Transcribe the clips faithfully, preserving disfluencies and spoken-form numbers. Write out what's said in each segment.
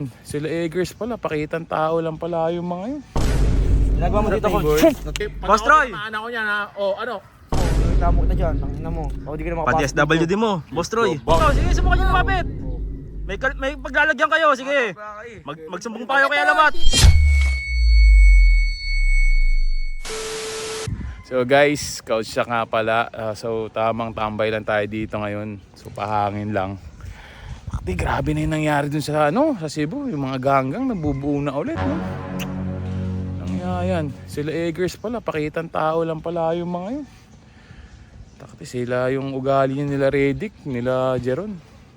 Sila Eggers pala, pakitang tao lang pala yung mga yun. Ginagawa mo dito, Coach. Boss Troy! Ano ko niyan ha? O ano? Tamo kita dyan, ang ina mo. O, di ka na makapasok. Pati S W D mo, Boss Troy. Bo- Oh, sige, subukan niyo lumapit. May, kal- may paglalagyan kayo, sige. Mag magsumbong pa kayo kay Alamat. So guys, Coach siya nga pala. Uh, so tamang tambay lang tayo dito ngayon. So pahangin lang. Bakit grabe na yung nangyari dun sa ano, sa Cebu. Yung mga ganggang nabubuo na ulit. No? Nangyayan. Sila Eggers pala, pakitang tao lang pala yung mga yun. Takti sila yung ugali nila Redick, nila Jeron.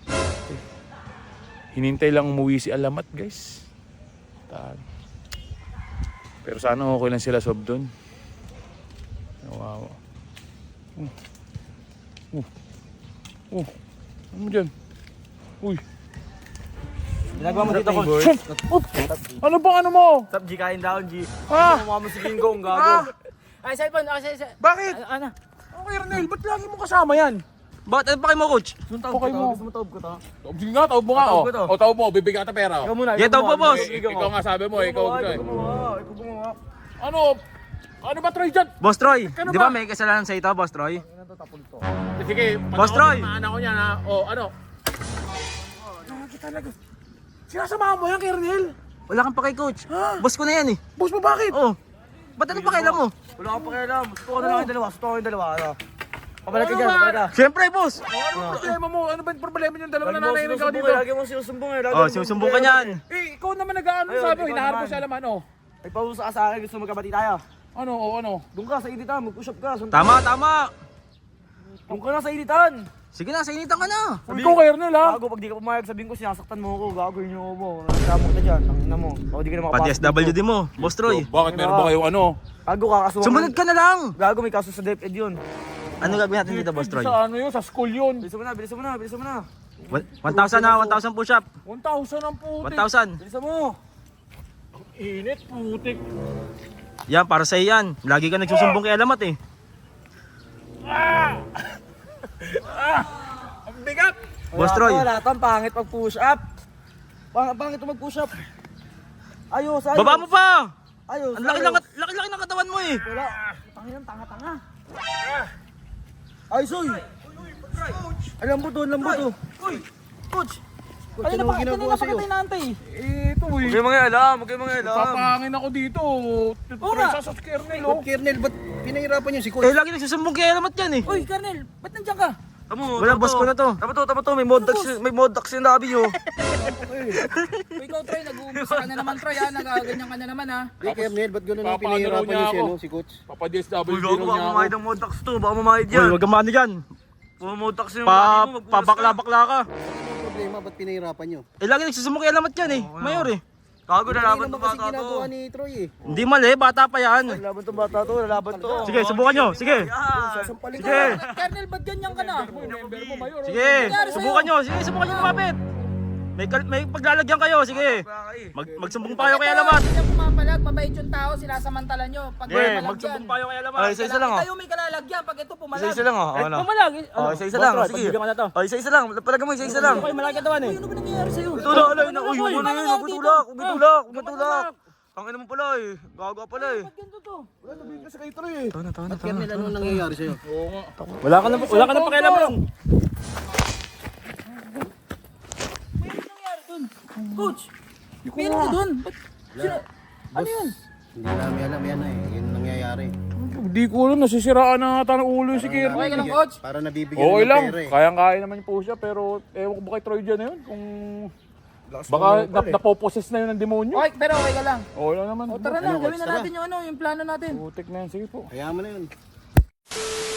Hinintay lang umuwi si Alamat guys. Tahan. Pero sana okay lang sila sob doon. Wow. Uh. Uh. Uh. Ano mo dyan? Uy. Ginagawa mo dito, Coach. Ano bang ano mo? Stop, G, kain down, G. Ha? Mukha mo si Ginggong, gago. Ay, cellphone, ako sa... Bakit? Ano? Okay Ernel, ba't lagi mo kasama yan? Bakit? Ano pa kayo mo, Coach? Okay mo. Gusto mo taob ko to? Sige nga, tawag mo nga. Tawag O, ko to. o tawag mo, bibigyan ka pera. Ikaw muna. Yeah, ikaw taob po, gumawa. boss. Ikaw Ikaw nga sabi mo, ikaw gumawa, gusto ikaw gumawa, ikaw gumawa. Ano? Ano ba Troy dyan? Boss Troy, Ano di ba? ba may kasalanan sa ito, Boss Troy? Ano to, tapon to? Sige, Boss Troy! Ano ko niyan ha? O, ano? Nakakita talaga. Sinasamahan mo yan, Kernel? Wala kang pakay, Coach. Boss ko na yan eh. Boss mo bakit? Oh. Ba't ano pakailan mo? Wala kang pakialam. Gusto ko na lang yung dalawa. Gusto ko yung dalawa. Ano? Pabalag ka dyan, pabalag ka. Siyempre, boss. Ano problema mo? Ano ba yung problema yung dalawa Lagi na mo nanay ikaw sinusumbong dito? eh. Lagi mo sinusumbong eh. Lagi Oh, mo sinusumbong ka niyan. Eh, ikaw naman nag-ano Ayun, sabi, ikaw hinaharap mo naman. sa alaman, oh. Ay, pausa ka sa akin. Gusto mo magkabati tayo. Ano, o ano? Doon ka sa editan. Mag-push up ka. Sundan. Tama, tama. Doon ka na sa editan. Sige na, sainitan ka na. Ikaw, Kernel ha? Gago, pag di ka pumayag, sabihin ko sinasaktan mo ako. Gago, yun yung mo. Tamo kita dyan. Ang ina mo. O, di ka na makapasok. Pati S W D mo, Boss Troy. Bakit meron ba kayong ano? Gago ka, kasuhan. Sumunod ka na lang. Gago, may kaso sa DepEd yun. Ano gagawin natin dito, Boss Troy? Sa ano yun? Sa school yun. Bilisan mo na, bilisan mo na, bilisan mo na. one thousand na, one thousand push up. one thousand ang putik. one thousand. Bilisan mo. Init, putik. Yan, para sa yan. Lagi ka nagsusumbong kay Alamat eh. Ang bigat. Boss Troy. Wala kang pangit pag push up. Pang pangit mag push up. Ayos, ayos. Baba mo pa. Ayos. Ang laki ayos. lang, laki-laki ng katawan mo eh. Wala. Tangin tanga-tanga. Ayos, oy. Ay, lambot to, lambot to. Uy! Coach! Coach, Kanina ano pa, ginagawa kanina pa sa'yo? kita inaantay. Eh, ito Huwag eh. kayong mga alam, huwag kayong mga alam. Papahangin ako dito. Oo nga. Presa sa kernel, oh. Kernel, ba't pinahirapan niyo si Coach? Eh, lagi nagsusumbong kay Alamat yan eh. Uy, Kernel! Ba't nandiyan ka? Tamo, Wala, tamo boss ko na to. Tama to, tama to, may mod ducks, may mod ducks yung labi oh. Uy, ikaw, Troy, nag-uumpisa ka na naman, Troy, ha? Nagaganyan ka na naman, ha? Hey, Kernel, ba't gano'n ang Papaano pinahirapan raw niyo niya si, ako? ano, si Coach? Papa-D S W Uy, raw gago, niya baka ako. mamahid ang mod ducks to, baka mamahid Uy, yan. wag kang maano dyan. Puro mod ducks yung Pa, labi mo, magpunas ka. pabakla-bakla ka. Ano problema, ba't pinahirapan niyo? Eh, lagi nagsusumbong kay Alamat yan eh. Mayor eh. Gago, Hindi lalaban naman to kasi bata ginagawa to. ni Troy eh. Hindi mali, bata pa yan. Lalaban to bata to, lalaban to. Sige, subukan nyo. Sige. Yan. Sasampalin Sige. Kernel, ba't ganyan ka na? Member mo, Mayor. oh. Sige, subukan nyo. Sige, subukan nyo lumapit. May, kal- may paglalagyan kayo. Sige. Mag magsumbong pa kayo kay Alamat. Hindi niya pumapalag, mabait yung tao, sinasamantala nyo. Pag Sige, pumalag magsumbong yan. pa kayo kay Alamat. Ay, isa-isa lang oh. Kayo may kalalagyan, pag ito pumalag. Isa-isa lang oh. Ano? Pumalag, eh. Oh, Ano? isa-isa lang. Boss, Troy, Sige. pagbigyan ka na to. Oh, isa-isa lang. Palagan mo, isa-isa lang. Okay, malaki katawan eh. Uy, ano ba nangyayari sa'yo? Tulak, alay na. Uy, Uy, ano ano yun? nangyari Huwag dito? tulak, huwag Ha? tulak, huwag Ba't tulak. tulak? Ang ina mo pala eh. Gago ka pala eh. Ba't ganito to? Wala, sabihin kasi kay Troy eh. Tana, tana, Ba't Kernel, ano nangyayari sa'yo? Wala ka na, wala ka na pakialam ron. May ano nangyari dun? Coach! May ano dun? Ba't? Sino? Ano yun? Hindi namin alam yan eh, yun ang nangyayari. Hindi ko alam, nasisiraan na ata ng ulo yung si Kernel. Okay ka lang, Coach? Para nabibigyan Okay ng lang, pera eh. kayang-kaya naman yung push up, pero ewan ko ba kay Troy dyan na yun? Kung Lakas baka mo na, pala eh. napoposes na yun ng demonyo. Okay, pero okay ka lang. Okay lang naman. O tara na, Ano, gawin na Coach, tara. natin yung ano, yung plano natin. Putik na yan, sige po. Kaya mo na yun.